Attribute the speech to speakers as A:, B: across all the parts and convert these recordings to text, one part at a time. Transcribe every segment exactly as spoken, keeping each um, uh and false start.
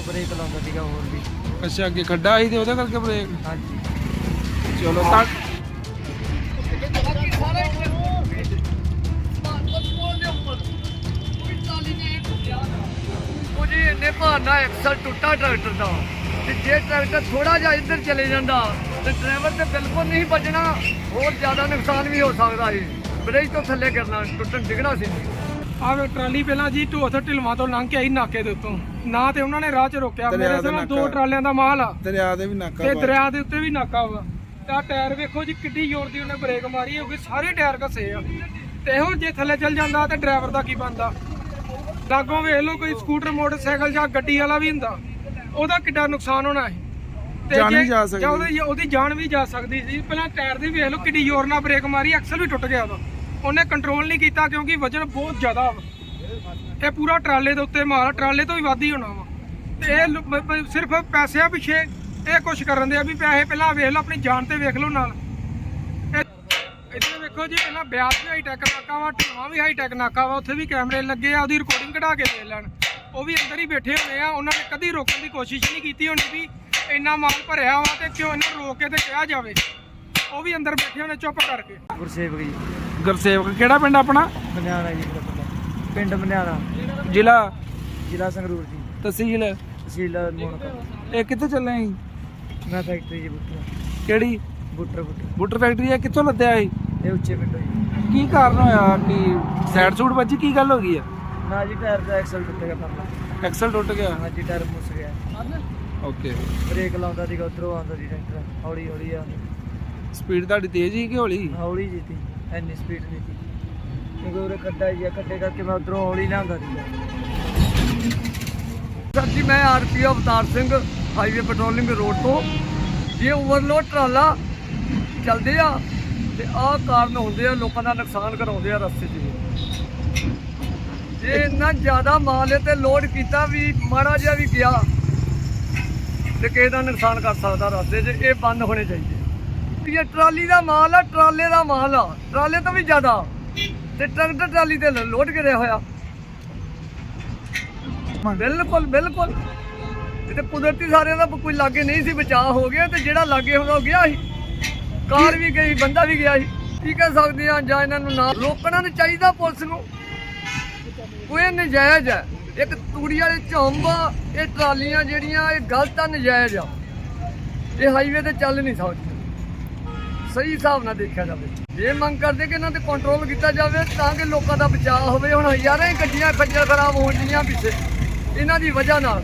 A: Break ਲਾਉਂਦਾ ਸੀਗਾ ਹੋਰ ਵੀ।
B: ਅੱਛਾ, ਅੱਗੇ ਖੱਡਾ ਸੀ ਤੇ ਉਹਦੇ ਕਰਕੇ ਬ੍ਰੇਕ।
A: ਹਾਂਜੀ
B: ਚਲੋ ਤਾਂ
C: ਉਹ ਜੀ ਇੰਨੇ ਭਾਰ ਨਾਲ ਐਕਸਲ ਟੁੱਟਾ ਟਰੈਕਟਰ ਦਾ, ਤੇ ਜੇ ਟਰੈਕਟਰ ਥੋੜਾ ਜਿਹਾ ਇੱਧਰ ਚਲੇ ਜਾਂਦਾ ਤੇ ਡਰਾਈਵਰ ਤੇ ਬਿਲਕੁਲ ਨਹੀਂ ਬਚਣਾ, ਹੋਰ ਜ਼ਿਆਦਾ ਨੁਕਸਾਨ ਵੀ ਹੋ ਸਕਦਾ ਸੀ। ਬ੍ਰੇਕ ਤੋਂ ਥੱਲੇ ਕਰਨਾ, ਟੁੱਟਣ ਡਿੱਗਣਾ ਸੀ।
B: ਆਹ ਵੇ ਟਰਾਲੀ ਪਹਿਲਾਂ ਜੀ ਢੋਥ ਢਿਲਵਾਂ ਤੋਂ ਲੰਘ ਕੇ ਆਈ ਨਾਕੇ ਦੇ ਉੱਤੋਂ, ਨਾ ਤੇ ਉਹਨਾਂ ਨੇ ਰਾਹ 'ਚ ਰੋਕਿਆ। ਮੇਰੇ ਸਾਹਮਣੇ ਦੋ ਟਰਾਲਿਆਂ ਦਾ ਮਾਲ ਆ,
D: ਦਰਿਆ ਦੇ ਵੀ ਨਾਕਾ
B: ਤੇ ਦਰਿਆ ਦੇ ਉੱਤੇ ਵੀ ਨਾਕਾ ਵਾ। ਤਾਂ ਟਾਇਰ ਵੇਖੋ ਜੀ ਕਿੱਡੀ ਜ਼ੋਰ ਦੀ ਉਹਨੇ ਬ੍ਰੇਕ ਮਾਰੀ ਹੋਊਗੀ, ਸਾਰੇ ਟਾਇਰ ਘਸੇ ਆ। ਤੇ ਇਹੋ ਜੇ ਥੱਲੇ ਚੱਲ ਜਾਂਦਾ ਤੇ ਡਰਾਈਵਰ ਦਾ ਕੀ ਬਣਦਾ। ਲਾਗੋਂ ਵੇਖ ਲਓ ਕੋਈ ਸਕੂਟਰ ਮੋਟਰਸਾਈਕਲ ਜਾਂ ਗੱਡੀ ਵਾਲਾ ਵੀ ਹੁੰਦਾ, ਉਹਦਾ ਕਿੱਡਾ ਨੁਕਸਾਨ ਹੋਣਾ ਹੈ। ਤੇ
D: ਜਾਨ ਵੀ
B: ਜੇ
D: ਜਾ ਸਕਦੀ।
B: ਜਾਂ ਉਹਦੀ ਉਹਦੀ ਜਾਨ ਵੀ ਜਾ ਸਕਦੀ ਸੀ। ਪਹਿਲਾਂ ਟਾਇਰ ਦੀ ਵੇਖ ਲਓ ਕਿੱਡੀ ਜ਼ੋਰ ਨਾਲ ਬ੍ਰੇਕ ਮਾਰੀ, ਐਕਸਲ ਵੀ ਟੁੱਟ ਗਿਆ ਉਹਦਾ। ਉਹਨੇ ਕੰਟਰੋਲ ਨਹੀਂ ਕੀਤਾ ਕਿਉਂਕਿ ਵਜਨ ਬਹੁਤ ਜ਼ਿਆਦਾ ਵਾ। ਇਹ ਪੂਰਾ ਟਰਾਲੇ ਦੇ ਉੱਤੇ ਮਾਲ, ਟਰਾਲੇ ਤੋਂ ਵੀ ਵੱਧ ਹੀ ਹੋਣਾ ਵਾ। ਤੇ ਇਹ ਲ- ਬ- ਬ- ਸਿਰਫ ਪੈਸਿਆਂ ਪਿੱਛੇ ਇਹ ਕੁਛ ਕਰਨ ਦੇ ਆ ਵੀ ਪੈਸੇ ਪਹਿਲਾਂ ਵੇਖ ਲਓ, ਆਪਣੀ ਜਾਨ ਤੇ ਵੇਖ ਲਓ ਨਾਲ। ਇੱਥੇ ਵੇਖੋ ਜੀ, ਪਹਿਲਾਂ ਬਿਆਸ ਵੀ ਹਾਈ ਟੈਕ ਨਾਕਾ ਵਾ, ਢਿਲਵਾਂ ਵੀ ਹਾਈ ਟੈਕ ਨਾਕਾ ਵਾ, ਉੱਥੇ ਵੀ ਕੈਮਰੇ ਲੱਗੇ ਆ। ਉਹਦੀ ਰਿਕਾਰਡਿੰਗ ਕਢਾ ਕੇ ਦੇਖ ਲੈਣ, ਉਹ ਵੀ ਅੰਦਰ ਹੀ ਬੈਠੇ ਹੋਣੇ ਆ। ਉਹਨਾਂ ਨੇ ਕਦੀ ਰੋਕਣ ਦੀ ਕੋਸ਼ਿਸ਼ ਨਹੀਂ ਕੀਤੀ ਹੋਣੀ ਵੀ ਇੰਨਾ ਮਾਲ ਭਰਿਆ ਵਾ ਤੇ ਕਿਉਂ ਇਹਨਾਂ ਨੂੰ ਰੋਕ ਕੇ ਤੇ ਕਿਹਾ ਜਾਵੇ। ਉਹ ਵੀ ਅੰਦਰ ਬੈਠੇ ਹੋਣੇ ਚੁੱਪ ਕਰਕੇ।
A: ਗੁਰਸੇਵਕ ਜੀ,
B: ਗੁਰਸੇਵਕ ਕਿਹੜਾ ਪਿੰਡ ਆਪਣਾ?
A: ਬਨਿਆਣਾ ਜੀ ਮੇਰਾ ਪਿੰਡ। ਪਿੰਡ ਬਨਿਆਣਾ,
B: ਜ਼ਿਲ੍ਹਾ
A: ਜ਼ਿਲ੍ਹਾ ਸੰਗਰੂਰ ਜੀ,
B: ਤਹਿਸੀਲ।
A: ਤਹਿਸੀਲ ਮੋਨਕ।
B: ਇਹ ਕਿੱਥੇ ਚੱਲੇ ਸੀ?
A: ਮੈਂ ਫੈਕਟਰੀ ਜੀ ਬੁੱਟਰ
B: ਕਿਹੜੀ
A: ਬੁੱਟਰ ਬੁੱਟਰ
B: ਬੂਟਰ ਫੈਕਟਰੀ ਆ? ਕਿੱਥੋਂ ਲੱਦਿਆ ਸੀ?
A: ਇਹ ਉੱਚੇ ਪਿੰਡੋਂ ਜੀ।
B: ਕੀ ਕਾਰਨ ਹੋਇਆ ਕਿ ਸਾਈਡ ਸੂਟ ਵੱਜੀ? ਕੀ ਗੱਲ ਹੋ ਗਈ ਆ?
A: ਨਾ ਜੀ ਟਾਇਰ ਦਾ ਐਕਸਲ ਟੁੱਟ ਗਿਆ ਪਰਲਾ।
B: ਐਕਸਲ ਟੁੱਟ ਗਿਆ।
A: ਹਾਂਜੀ ਟਾਇਰ ਮੁੱਸ ਗਿਆ।
B: ਓਕੇ।
A: ਬ੍ਰੇਕ ਲਾਉਂਦਾ ਸੀਗਾ, ਉੱਧਰੋਂ ਆਉਂਦਾ ਸੀ ਟਰੈਕਟਰ, ਹੌਲੀ ਹੌਲੀ ਆ।
B: ਸਪੀਡ ਤੁਹਾਡੀ ਤੇਜ਼ ਸੀ ਕਿ ਹੌਲੀ?
A: ਹੌਲੀ ਜੀ ਸੀ, ਇੰਨੀ ਸਪੀਡ ਨਹੀਂ ਸੀ ਕਿਉਂਕਿ ਉਰੇ ਖੱਡਾ ਜੀ ਆ, ਖੱਡੇ ਕਰਕੇ ਮੈਂ ਉੱਧਰੋਂ ਹੌਲੀ ਲਿਆਉਂਦਾ ਸੀਗਾ।
C: ਸਰ ਜੀ, ਮੈਂ RPO Avtar Singh, highway patrolling road ਤੋਂ। ਜੇ ਓਵਰਲੋਡ ਟਰਾਲਾ ਚੱਲਦੇ ਆ ਤੇ ਆਹ ਕਾਰਨ ਹੁੰਦੇ ਆ, ਲੋਕਾਂ ਦਾ ਨੁਕਸਾਨ ਕਰਾਉਂਦੇ ਆ ਰਸਤੇ 'ਚ। ਜੇ ਇੰਨਾ ਜ਼ਿਆਦਾ ਮਾਲ ਹੈ ਤੇ ਲੋਡ ਕੀਤਾ ਵੀ ਮਾੜਾ ਜਿਹਾ ਵੀ ਗਿਆ ਤੇ ਕਿਸੇ ਦਾ ਨੁਕਸਾਨ ਕਰ ਸਕਦਾ ਰਸਤੇ 'ਚ। ਇਹ ਬੰਦ ਹੋਣੇ ਚਾਹੀਦੇ। ਇਹ ਟਰਾਲੀ ਦਾ ਮਾਲ ਆ, ਟਰਾਲੇ ਦਾ ਮਾਲ ਆ, ਟਰਾਲੇ ਤੋਂ ਵੀ ਜ਼ਿਆਦਾ, ਤੇ ਟਰੈਕਟਰ ਟਰਾਲੀ ਤੇ ਲੋਡ ਕਰਿਆ ਹੋਇਆ। ਬਿਲਕੁਲ ਬਿਲਕੁਲ, ਇਹ ਤੇ ਕੁਦਰਤੀ ਸਾਰਿਆਂ ਦਾ ਕੋਈ ਲਾਗੇ ਨਹੀਂ ਸੀ, ਬਚਾਅ ਹੋ ਗਿਆ। ਤੇ ਜਿਹੜਾ ਲਾਗੇ ਹੁੰਦਾ ਉਹ ਗਿਆ ਸੀ, ਕਾਰ ਵੀ ਗਈ, ਬੰਦਾ ਵੀ ਗਿਆ ਸੀ। ਕੀ ਕਹਿ ਸਕਦੇ ਆ, ਜਾਂ ਇਹਨਾਂ ਨੂੰ ਨਾ ਰੋਕਣਾ ਨਹੀਂ ਚਾਹੀਦਾ ਪੁਲਿਸ ਨੂੰ। ਕੋਈ ਨਜਾਇਜ਼ ਹੈ, ਇੱਕ ਤੂੜੀ ਵਾਲੇ ਝੰਬ, ਇਹ ਟਰਾਲੀਆਂ ਜਿਹੜੀਆਂ ਇਹ ਗਲਤ ਆ, ਨਜਾਇਜ਼ ਆ। ਇਹ ਹਾਈਵੇ ਤੇ ਚੱਲ ਨਹੀਂ ਸਕਦੀਆਂ, ਸਹੀ ਹਿਸਾਬ ਨਾਲ ਦੇਖਿਆ ਜਾਵੇ। ਜੇ ਮੰਗ ਕਰਦੇ ਕਿ ਇਹਨਾਂ ਤੇ ਕੰਟਰੋਲ ਕੀਤਾ ਜਾਵੇ ਤਾਂ ਕਿ ਲੋਕਾਂ ਦਾ ਬਚਾਅ ਹੋਵੇ। ਹੁਣ ਹਜ਼ਾਰਾਂ ਹੀ ਗੱਡੀਆਂ ਖੱਜਲ ਖਰਾਬ ਹੋਣ ਡੀਆਂ ਪਿੱਛੇ, ਇਹਨਾਂ ਦੀ ਵਜ੍ਹਾ ਨਾਲ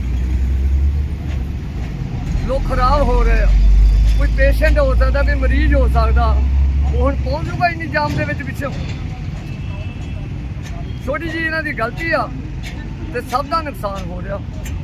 C: ਲੋਕ ਖਰਾਬ ਹੋ ਰਹੇ ਆ। ਕੋਈ ਪੇਸ਼ੈਂਟ ਹੋ ਸਕਦਾ, ਕੋਈ ਮਰੀਜ਼ ਹੋ ਸਕਦਾ, ਉਹ ਹੁਣ ਪਹੁੰਚ ਜੂਗਾ ਇੰਨੀ ਜਾਮ ਦੇ ਵਿੱਚ ਪਿੱਛੇ। ਛੋਟੀ ਜਿਹੀ ਇਹਨਾਂ ਦੀ ਗਲਤੀ ਆ ਤੇ ਸਭ ਦਾ ਨੁਕਸਾਨ ਹੋ ਰਿਹਾ।